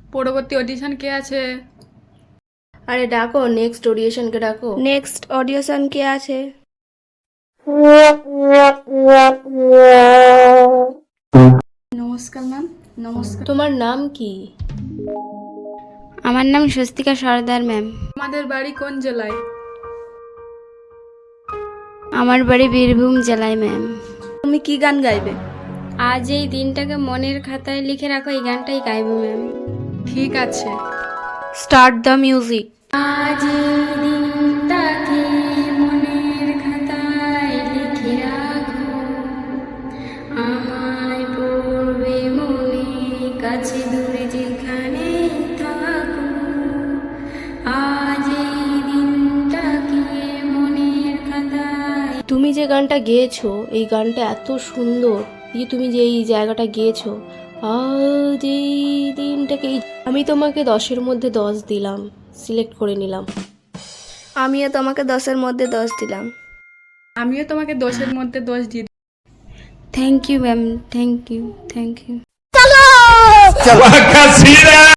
পরবর্তী অডিশন কে আছে? আরে ডাকো, নেক্সট অডিশনকে ডাকো। নেক্সট অডিশন কে আছে? নমস্কার ম্যাম। নমস্কার। তোমার নাম কি? আমার নাম স্বস্তিকা সর্দার ম্যাম। আমাদের বাড়ি কোন জেলায়? আমার বাড়ি বীরভূম জেলায় ম্যাম। তুমি কি গান গাইবে? আজ এই দিনটাকে মনের খাতায় লিখে রাখো, এই গানটাই গাইবো ম্যাম। ঠিক আছে। Start the music. আজ এই দিনটাকে মনের খাতায় লিখে রাখো, আমায় পড়বে মনে, কাছে দূরে যেখানে থাকো। আজ এই দিনটাকে মনের খাতায়। তুমি যে গানটা গেয়েছো, এই গানটা এত সুন্দর। তুমি যে এই জায়গাটা গেয়েছো, আজ এই দিনটাকে, আমি তোমাকে 10-এর মধ্যে 10 দিলাম, সিলেক্ট করে নিলাম। আমিও তোমাকে 10-এর মধ্যে 10 দিলাম। আমিও তোমাকে 10-এর মধ্যে 10 দিয়ে দিই। Thank you ma'am, thank you, thank you.